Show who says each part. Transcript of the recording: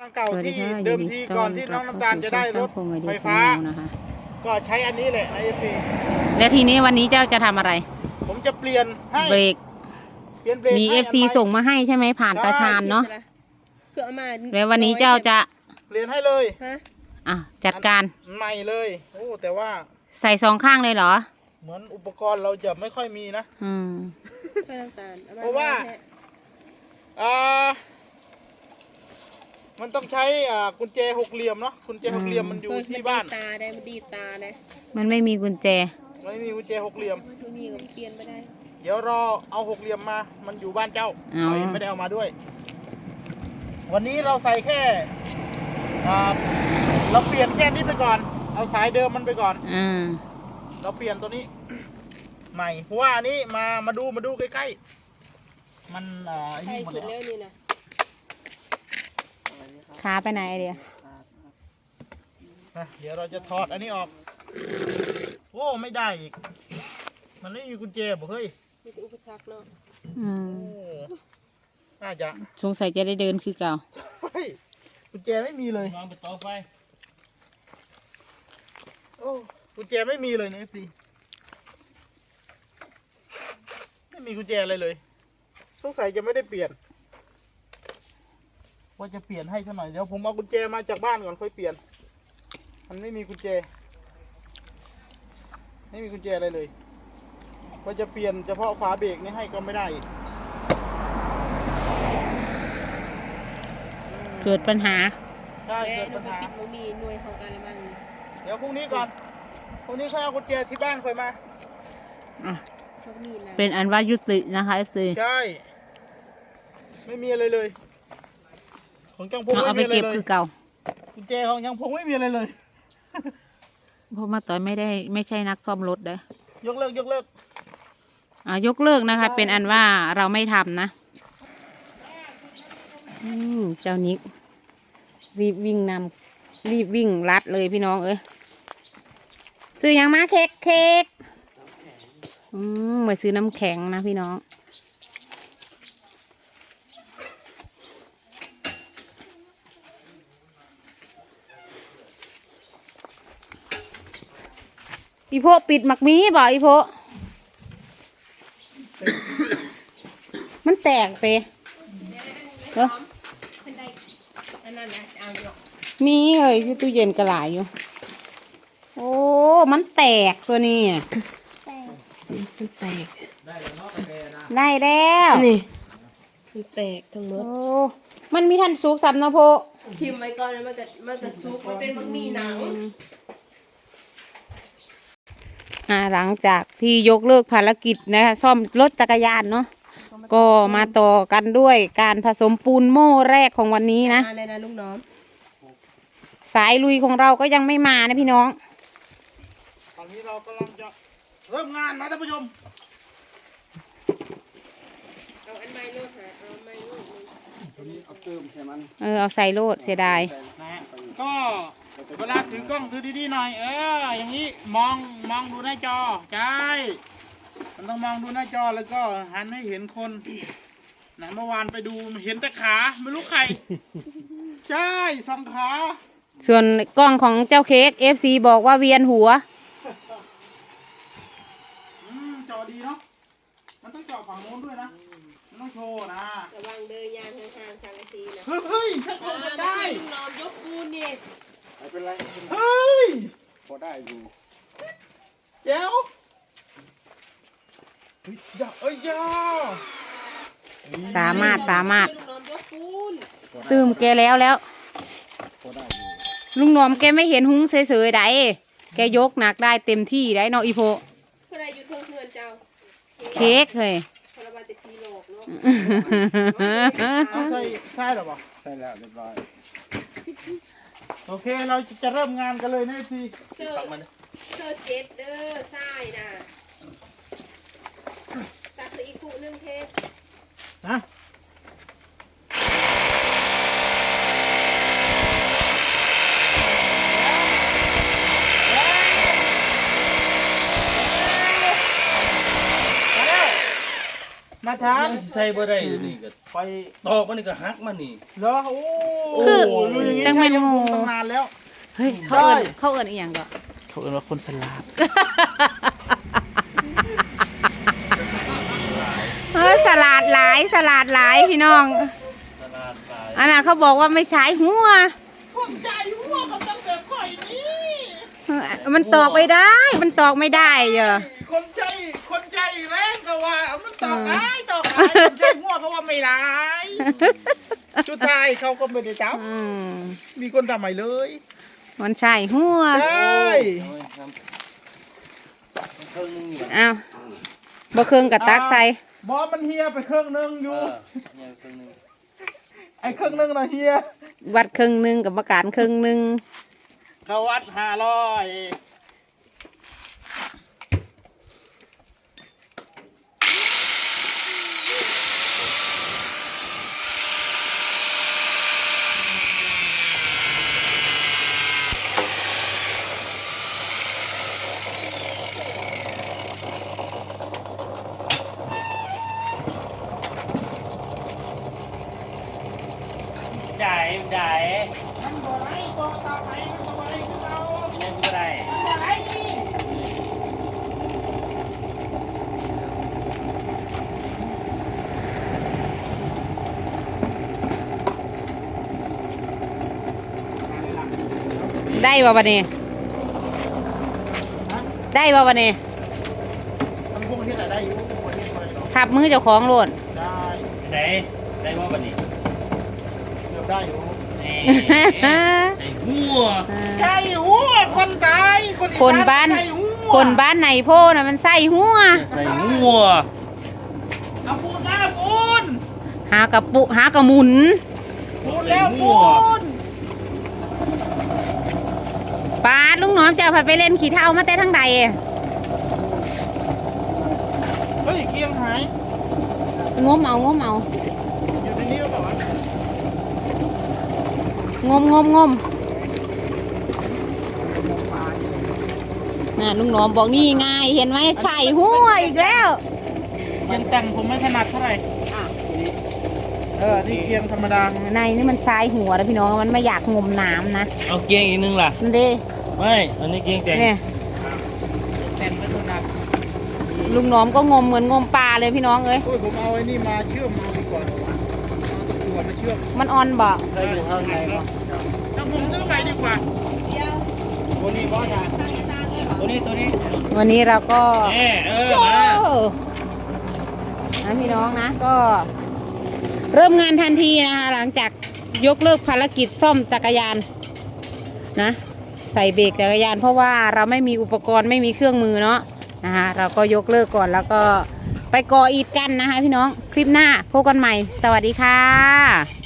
Speaker 1: เก่าที่เดิมทีก่อนที่น้องน้ำตาลจะได้รถไฟฟ้านะคะก็ใช้อันนี้แหละในFP
Speaker 2: และทีนี้วันนี้เจ้าจะทำอะไร
Speaker 1: ผมจะเปลี่ยนให้
Speaker 2: เบรก
Speaker 1: เปลี่ยนเบรก
Speaker 2: มี FC ส่งมาให้ใช่ไหมผ่านตาชาญเนาะแล้ววันนี้เจ้าจะ
Speaker 1: เปลี่ยนให้เลย
Speaker 2: จัดการ
Speaker 1: ใหม่เลยโอ้แต่ว่า
Speaker 2: ใส่สองข้างเลยเหรอ
Speaker 1: เหมือนอุปกรณ์เราจะไม่ค่อยมีนะเพราะว่ามันต้องใช้กุญแจหกเหลี่ยมเนาะกุญแจหกเหลี่ยมมันอยู่ที่บ้าน
Speaker 3: ตาได้มันดีตาได้
Speaker 2: มันไม่มีกุญแจ
Speaker 1: ไม่มีกุญแจหกเหลี่ยม
Speaker 3: ไม่มีก็เปลี่ยนไม่ได้
Speaker 1: เดี๋ยวรอเอาหกเหลี่ยมมามันอยู่บ้านเจ้าไม่ได้เอามาด้วยวันนี้เราใส่แค่เราเปลี่ยนแค่นี้ไปก่อนเอาสายเดิมมันไปก่อนเราเปลี่ยนตัวนี้ใหม่เพราะว่าอันนี้มาดูใกล้ๆมัน
Speaker 3: นี่หมดแล้วนี่นะ
Speaker 2: ขาไปไหนเดี๋
Speaker 1: ยวเราจะถอดอันนี้ออกโอ้ไม่ได้อีกมันไม่มีกุญแจบอกเฮ้ย
Speaker 3: มีอุปสรรคเนาะ
Speaker 1: น่าจะ
Speaker 2: สงสัยจะได้เดินคือเก่า
Speaker 1: กุญแจไม่มีเลยมองไปต่อไฟโอ้กุญแจไม่มีเลยนะสิไม่มีกุญแจอะไรเลยสงสัยจะไม่ได้เปลี่ยนว่าจะเปลี่ยนให้สักหน่อยเดี๋ยวผมเอากุญแจมาจากบ้านก่อนค่อยเปลี่ยนมันไม่มีกุญแจไม่มีกุญแจอะไรเลยว่าจะเปลี่ยนเฉพาะฝาเบรกนี่ให้ก็ไม่ได้
Speaker 2: เกิดปัญหา
Speaker 1: ได้เกิดปัญหา
Speaker 3: ปิดมือมีหน่วยของการอะไรบ้าง
Speaker 1: เดี๋ยวพรุ่งนี้ก่อนพรุ่งนี้ค่อยเอากุญแจที่บ้านค่อยมา
Speaker 2: เป็นอันว่ายุตินะคะ FC
Speaker 1: ใช่ไม่มีอะไรเลยของจังพง
Speaker 2: เอาไปเก็บคือเก่า
Speaker 1: กุญแจของจังพงไม่มีอะไรเลย
Speaker 2: เพราะมาต่อยไม่ใช่นักซ่อมรถเด้
Speaker 1: ยกเลิก
Speaker 2: ยกเลิกนะคะเป็นอันว่าเราไม่ทำนะเจ้านิกรีบวิ่งรัดเลยพี่น้องเอ้ยซื้อยังมาเค้กมาซื้อน้ำแข็งนะพี่น้องอีโพปิดหมักมีบ่อีโพมันแตกไปเหรอมีเลยที่ตู้เย็นกระหลายอยู่โอ้มันแตกตัวนี้
Speaker 3: มันแตก
Speaker 2: ได้แล้ว
Speaker 3: นี่มันแตกทั้งหมด
Speaker 2: โอ้มันมีทันซุกซ้ำนะโพ
Speaker 3: ทิมไว้ก่อนมันจะซุกมันเป็นบะหมี่หนัง
Speaker 2: หลังจากที่ยกเลิกภารกิจนะคะซ่อมรถจักรยานเนาะก็มาต่อกันด้วยการผสมปูนโม่แรกของวันนี้นะ
Speaker 3: อะไรนะลุงน้อม
Speaker 2: สายลุยของเราก็ยังไม่มานะพี่น้อง
Speaker 1: ตอนนี้เรากำลังจะเริ่มงานนะท่านผู้ชม
Speaker 3: เอาอันไม้โลดหาเอาไม้โลด
Speaker 1: ตัวนี้เอาเติมใช่ไหม
Speaker 2: เอาใส่โลดเสียดาย
Speaker 1: ก็เวลาถือกล้องถือดีๆหน่อยอย่างนี้มองดูหน้าจอใช่มันต้องมองดูหน้าจอแล้วก็หันให้เห็นคนนะเมื่อวานไปดูเห็นแต่ขาไม่รู้ใครใช่สองขา
Speaker 2: ส่วนกล้องของเจ้าเค้ก FC บอกว่าเวียนหัว
Speaker 1: จอดีเนาะมันต้องจอฝั่งโน้นด้วยนะมันต้องโชว์นะ
Speaker 3: ระวังเดินยางทางสังกะสีนะ
Speaker 1: เฮ้ยถ้าคนจะได้
Speaker 3: นอนยกปูนนี่
Speaker 1: ไม่เป็นไรเฮ้ยพอได้อยู่เจ้า
Speaker 2: สามารถตื่มแกแล้วลุงหนอมแกไม่เห็นหุ้งเฉยๆได้แกยกหนักได้เต็มที่ได้นออีโพเค้กเลย
Speaker 1: ใช่หรอปะใช่แล้วเรียบร้อยโอเคเราจะเริ่มงานกันเลยนะพี่
Speaker 3: เสื้อเจ็ดเด้อใช่นะสักอีกคู่นึงเทป
Speaker 1: นะมาชาร์จ
Speaker 4: ยังใส่บ่ได้อยู่นี่ก็
Speaker 1: ไป
Speaker 4: ตอกมันนี่ก็หักมันนี่
Speaker 1: เหรอโอ้
Speaker 2: คือ
Speaker 1: รู้อย่างงี้
Speaker 2: จังแม่น
Speaker 1: ใช่ยัง
Speaker 2: งู
Speaker 1: ตั้งนานแล้ว
Speaker 2: เฮ้ยเขาเอิญอีหยังก็
Speaker 1: เขาเรียกว่าคนสลาด
Speaker 2: สลัดหลายสลัดหลายพี่น้อง
Speaker 4: ตลาดหลาย
Speaker 2: อันน่ะเขาบอกว่าไม่ใช้หัว
Speaker 1: คนใจหัวกับตั้งแต่ข่อยนี่
Speaker 2: มันตอกไม่ได้ มันตอกไม่ได้เหรอ
Speaker 1: คนใจแรงก็ว่ามันตอกได้คนใจหัวเขาว่าไม่ได้สุดท้ายเขาก็ไม่ได้จับ
Speaker 2: อืม
Speaker 1: มีคนทำใหม่เลย
Speaker 2: มันใช่หัว
Speaker 1: ใช่
Speaker 4: เอาไว้ทำเครื่องนึงนี่บัด
Speaker 2: อ้าวบ่เครื่องกับตักใส่
Speaker 1: บอมันเฮียไปเครื่องนึงอ
Speaker 4: เอยู่ อเนี่ยเครื่องนึง
Speaker 1: ไอ้เครื่องนึงนะเฮีย
Speaker 2: วัดครึ่งหนึงกับประการครึ่งหนึง
Speaker 1: เขาวัด500
Speaker 4: ได้
Speaker 1: มันบ่ไรตัวตาไปมันบ่ไรคือเรา
Speaker 4: ยังบ่ได้
Speaker 1: บ่ไรนี่
Speaker 2: ได้บ่บัดนี้ได้บ่บัดนี้
Speaker 1: มันพวกที่ไหนได้อยู่พวกที่ไหนเนาะ
Speaker 2: ขับมือเจ้าของโลด
Speaker 1: ได้
Speaker 4: ได้บ่บัดนี้
Speaker 1: เกือบได้อยู่
Speaker 4: นี่ใส่หัว
Speaker 1: ใช่หัวคนตายคนอีส
Speaker 2: คนบ้าน
Speaker 1: ใช่หัว
Speaker 2: คนบ้านไหนโพน่ะมันใส่หัว
Speaker 4: ใส่หัว
Speaker 1: เอาปูนมาปูน
Speaker 2: หากระหมุน
Speaker 1: ปูนแล้วปูน
Speaker 2: ปาดลุงหนอมจะเอาไปเล่นขี่เท้ามาแต่ทั้งใด
Speaker 1: เฮ้ยเกียงหาย
Speaker 2: งมเอา
Speaker 1: อยู่ในนี้หรือเปล่าวะ
Speaker 2: งมน่ะลุงหนอมบอกนี่ไงเห็นไหมใช่หัวอีกแล้ว
Speaker 1: เกียงแต่งผมไม่ถนัดเท่าไหร่นี่เกียงธรรมดา
Speaker 2: ในนี่มันใช้หัวแล้วพี่น้องมันไม่อยากงมน้ำนะ
Speaker 4: เอาเกียงอีกนึงล่ะ
Speaker 2: นั่นดิ
Speaker 4: ไม่อันนี้เกียงแต่ง
Speaker 2: เนี่ย
Speaker 1: แต่งไม่ถนัด
Speaker 2: ลุงหนอมก็งมเหมือนงมปลาเลยพี่น้องเอ้ย
Speaker 1: โอ้ยผมเอาไอ้นี่มาเชื่อมมาดีกว่าเอาตะกั่วมาเชื่อม
Speaker 2: มันอ่อนบ่
Speaker 4: ใส่อยู่ข้างในเนาะ
Speaker 1: ถ้าผมซื้อใหม่ดีกว่า
Speaker 4: ตัวนี้บ่จ้ะตัวนี้
Speaker 2: วันนี้เราก็
Speaker 4: มา
Speaker 2: นะพี่น้องนะก็เริ่มงานทันทีนะคะหลังจากยกเลิกภารกิจซ่อมจักรยานนะใส่เบรกจักรยาน เพราะว่าเราไม่มีอุปกรณ์ไม่มีเครื่องมือเนาะนะคะเราก็ยกเลิกก่อนแล้วก็ไปก่ออิฐกันนะคะพี่น้องคลิปหน้าพบกันใหม่สวัสดีค่ะ